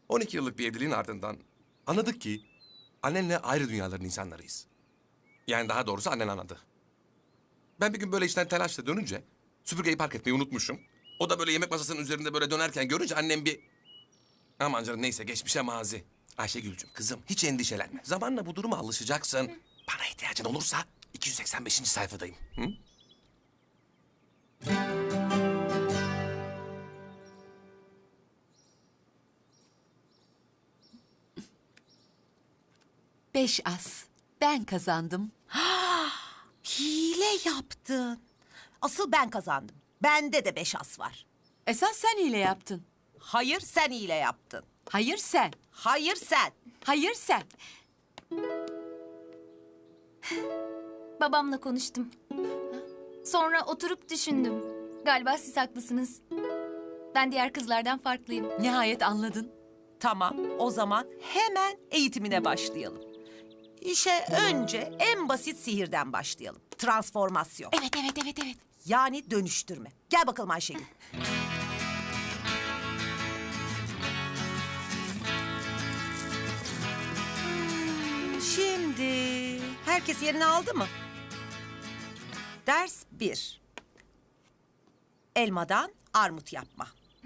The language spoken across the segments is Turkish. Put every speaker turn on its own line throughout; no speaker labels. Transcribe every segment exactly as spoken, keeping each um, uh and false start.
on iki yıllık bir evliliğin ardından anladık ki annenle ayrı dünyaların insanlarıyız. Yani daha doğrusu annen anladı. Ben bir gün böyle işten telaşla dönünce süpürgeyi park etmeyi unutmuşum. O da böyle yemek masasının üzerinde böyle dönerken görünce annem bir... Aman canım neyse geçmişe mazi. Ayşegül'cüm kızım hiç endişelenme. Zamanla bu duruma alışacaksın. Bana ihtiyacın olursa iki yüz seksen beşinci sayfadayım. Hı?
Beş as. Ben kazandım.
Hile yaptın. Asıl ben kazandım. Bende de beş as var.
Esas sen hile yaptın.
Hayır sen hile yaptın.
Hayır sen.
Hayır sen.
Hayır sen.
Babamla konuştum. Sonra oturup düşündüm. Galiba siz haklısınız. Ben diğer kızlardan farklıyım.
Nihayet anladın.
Tamam o zaman hemen eğitimine başlayalım. İşe önce en basit sihirden başlayalım. Transformasyon.
Evet, evet, evet, evet.
Yani dönüştürme. Gel bakalım Ayşegül. Şimdi herkes yerini aldı mı? Ders bir. Elmadan armut yapma.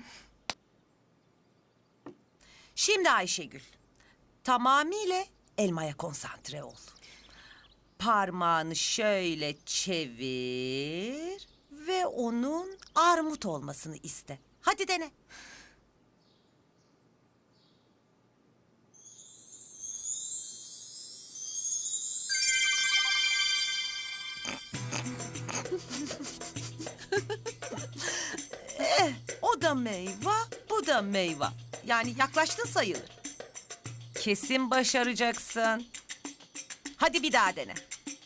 Şimdi Ayşegül, tamamıyla elmaya konsantre ol. Parmağını şöyle çevir ve onun armut olmasını iste. Hadi dene. eh, o da meyve, bu da meyve. Yani yaklaştın sayılır. Kesin başaracaksın. Hadi bir daha dene.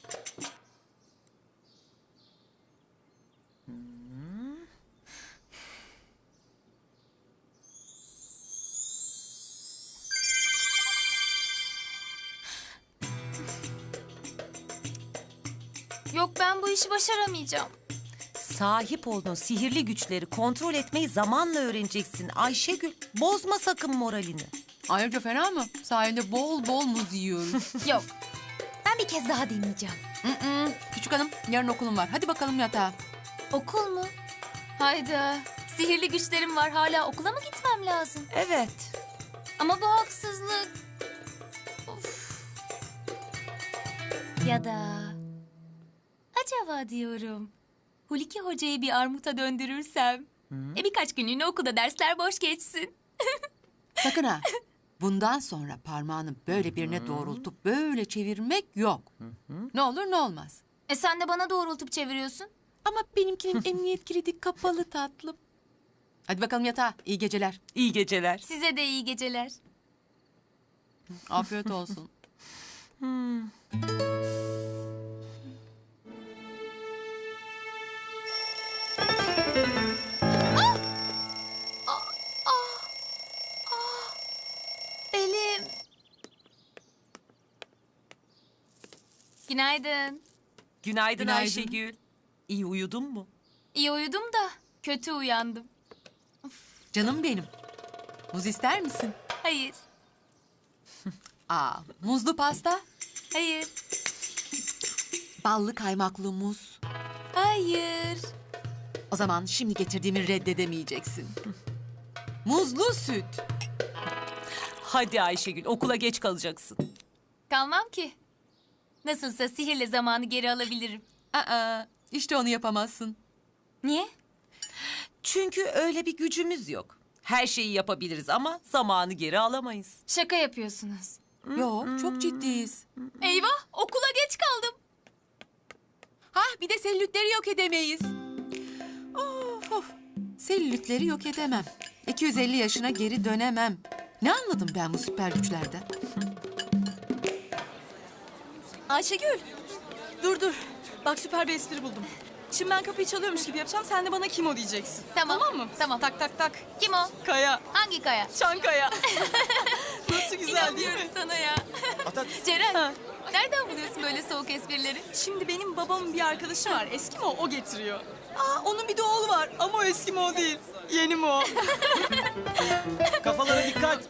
Yok ben bu işi başaramayacağım.
Sahip olduğun sihirli güçleri kontrol etmeyi zamanla öğreneceksin Ayşegül. Bozma sakın moralini.
Ayrıca fena mı? Sahilde bol bol muz yiyoruz.
Yok. Ben bir kez daha deneyeceğim.
Mm-mm. Küçük hanım, yarın okulum var. Hadi bakalım yatağa.
Okul mu? Hayda. Sihirli güçlerim var. Hala okula mı gitmem lazım?
Evet.
Ama bu haksızlık. Of. Ya da... Acaba diyorum... Huliki Hoca'yı bir armuta döndürürsem... E birkaç günlüğüne okulda dersler boş geçsin.
Sakın ha. Bundan sonra parmağını böyle birine doğrultup böyle çevirmek yok. Ne olur ne olmaz.
E sen de bana doğrultup çeviriyorsun.
Ama benimkinin emniyet kilidi kapalı tatlım. Hadi bakalım yatağa. İyi geceler.
İyi geceler.
Size de iyi geceler.
Afiyet olsun.
Belim. Günaydın.
Günaydın,
Günaydın.
Ayşegül. İyi uyudun mu?
İyi uyudum da kötü uyandım.
Canım benim. Muz ister misin?
Hayır,
Aa, muzlu pasta,
hayır,
ballı kaymaklı muz.
hayır.
O zaman şimdi getirdiğimi reddedemeyeceksin. Muzlu süt.
Hadi Ayşegül okula geç kalacaksın.
Kalmam ki. Nasılsa sihirle zamanı geri alabilirim.
Aa, işte onu yapamazsın.
Niye?
Çünkü öyle bir gücümüz yok. Her şeyi yapabiliriz ama zamanı geri alamayız.
Şaka yapıyorsunuz.
Yok, çok ciddiyiz.
Eyvah, okula geç kaldım.
Hah, bir de selülitleri yok edemeyiz. Of, of. Selülitleri yok edemem. iki yüz elli yaşına geri dönemem. Ne anladım ben bu süper güçlerden?
Ayşegül, dur dur. Bak süper bir espri buldum. Şimdi ben kapıyı çalıyormuş gibi yapacağım, sen de bana kim o diyeceksin.
Tamam,
Tamam mı?
tamam.
Tak tak tak.
Kim o?
Kaya.
Hangi kaya?
Çankaya. Nasıl? Nasıl güzel değil mi?
İnanmıyorum sana ya.
At at.
Ceren,
Ha.
nereden buluyorsun böyle soğuk esprileri?
Şimdi benim babamın bir arkadaşı var. Eski mi o? O getiriyor. Aa, onun bir de oğlu var ama o eski mi o değil. Yeni mi o?
Kafalara dikkat.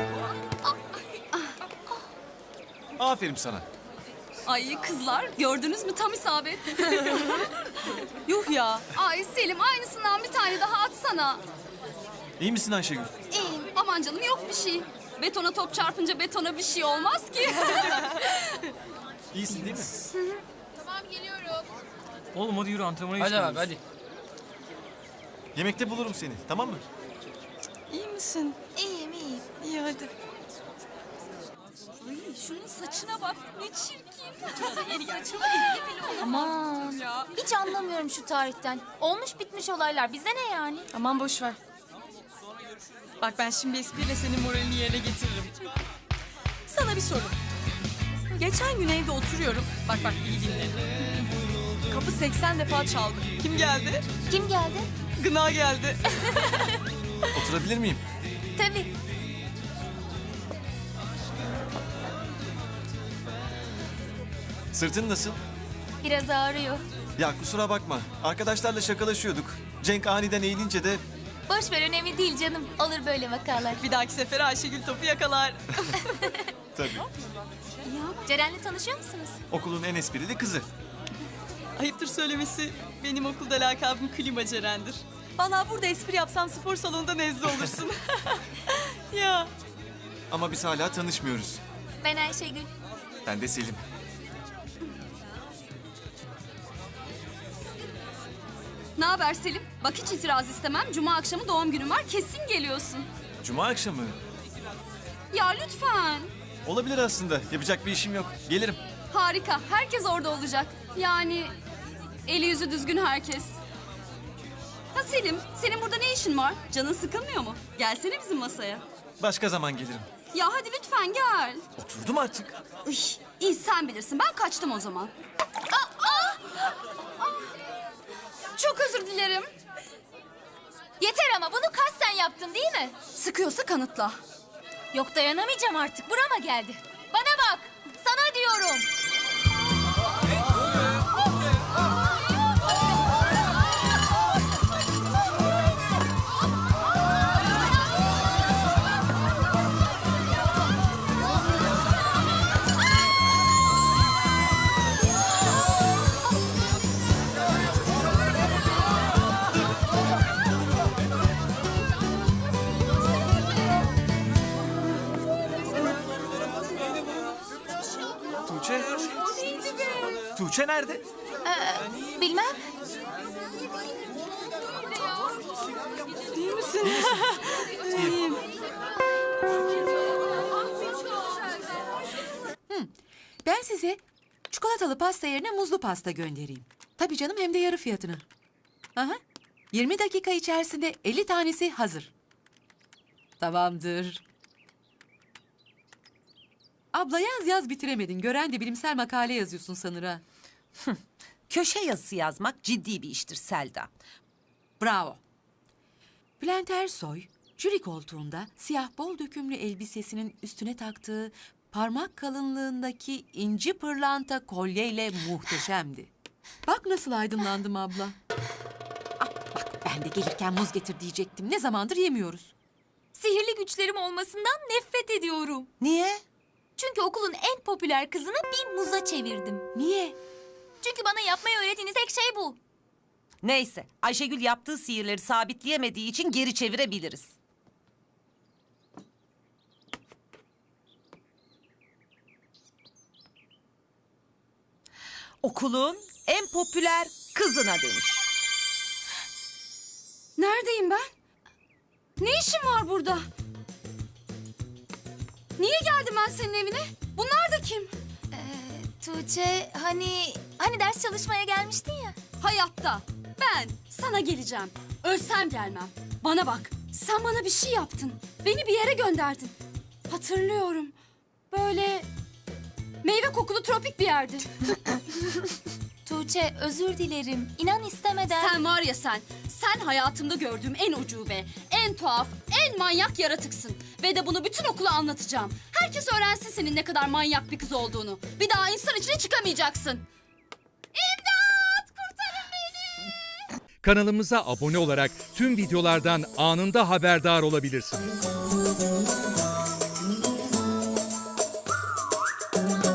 Aferin sana.
Ay kızlar gördünüz mü tam isabet.
Yuh ya.
Ay Selim aynısından bir tane daha atsana.
İyi misin Ayşegül?
İyiyim. Aman canım yok bir şey. Betona top çarpınca betona bir şey olmaz ki.
İyisin değil mi?
Tamam geliyorum.
Oğlum hadi yürü antrenmana
Hadi
geçiyoruz.
abi hadi.
Yemekte bulurum seni, tamam mı?
İyi misin?
İyiyim iyiyim.
İyi hadi.
Ay şunun saçına bak ne çirkin. Yeni saçına ilgili bile olmaz.
Aman, hiç anlamıyorum şu tarihten. Olmuş bitmiş olaylar, bize ne yani?
Aman boş ver. Bak ben şimdi espriyle senin moralini yerine getiririm. Sana bir soru. Geçen gün evde oturuyorum. Bak bak iyi dinle. Kapı seksen defa çaldı. Kim geldi?
Kim geldi?
Gına geldi.
Oturabilir miyim?
Tabii.
Sırtın nasıl?
Biraz ağrıyor.
Ya kusura bakma. Arkadaşlarla şakalaşıyorduk. Cenk aniden eğilince de
Boş ver, önemli değil canım. Olur böyle vakalar.
Bir dahaki sefere Ayşegül topu yakalar.
tabii
Ceren'le tanışıyor musunuz?
okulun en esprili kızı.
Ayıptır söylemesi benim okulda lakabım Klima Ceren'dir. Vallahi burada espri yapsam spor salonunda nezle olursun. Ya.
Ama biz hala tanışmıyoruz.
Ben Ayşegül.
Ben de Selim.
Ne haber Selim? Bak hiç itiraz istemem. Cuma akşamı doğum günüm var. Kesin geliyorsun.
Cuma akşamı.
Ya lütfen.
Olabilir aslında. Yapacak bir işim yok. Gelirim.
Harika. Herkes orada olacak. Yani eli yüzü düzgün herkes. Ha Selim, senin burada ne işin var? Canın sıkılmıyor mu? Gelsene bizim masaya.
Başka zaman gelirim.
Ya hadi lütfen gel.
Oturdum artık.
Üy, iyi sen bilirsin. Ben kaçtım o zaman. Aa, aa! Aa! Çok özür dilerim.
Yeter ama bunu kasten yaptın değil mi?
Sıkıyorsa kanıtla.
Yok, dayanamayacağım artık. Burama geldi. Bana bak. Sana diyorum.
Tuğçe. Tuğçe nerede?
Bilmem.
İyi misin?
Ben size çikolatalı pasta yerine muzlu pasta göndereyim. Tabii canım, hem de yarı fiyatına. Aha. yirmi dakika içerisinde elli tanesi hazır. Tamamdır. Abla yaz yaz bitiremedin. Gören de bilimsel makale yazıyorsun sanır ha.
Köşe yazısı yazmak ciddi bir iştir Selda.
Bravo. Bülent Ersoy, jüri koltuğunda siyah bol dökümlü elbisesinin üstüne taktığı parmak kalınlığındaki inci pırlanta kolyeyle muhteşemdi. Bak nasıl aydınlandım abla. Ah, bak ben de gelirken muz getir diyecektim. Ne zamandır yemiyoruz.
Sihirli güçlerim olmasından nefret ediyorum.
Niye?
Çünkü okulun en popüler kızını bir muza çevirdim.
Niye?
Çünkü bana yapmayı öğrettiğiniz tek şey bu.
Neyse, Ayşegül yaptığı sihirleri sabitleyemediği için geri çevirebiliriz. Okulun en popüler kızına dönüş.
Neredeyim ben? Ne işim var burada? Niye geldim ben senin evine? Bunlar da kim?
Tuğçe, hani hani ders çalışmaya gelmiştin ya.
Hayatta. Ben sana geleceğim. Ölsem gelmem. Bana bak. Sen bana bir şey yaptın. Beni bir yere gönderdin. Hatırlıyorum. Böyle meyve kokulu tropik bir yerdi.
Tuğçe özür dilerim. İnan istemeden.
Sen var ya sen, sen hayatımda gördüğüm en ucube, en tuhaf, en manyak yaratıksın. Ve de bunu bütün okula anlatacağım. Herkes öğrensin senin ne kadar manyak bir kız olduğunu. Bir daha insan içine çıkamayacaksın. İmdat! Kurtarın beni!
Kanalımıza abone olarak tüm videolardan anında haberdar olabilirsiniz.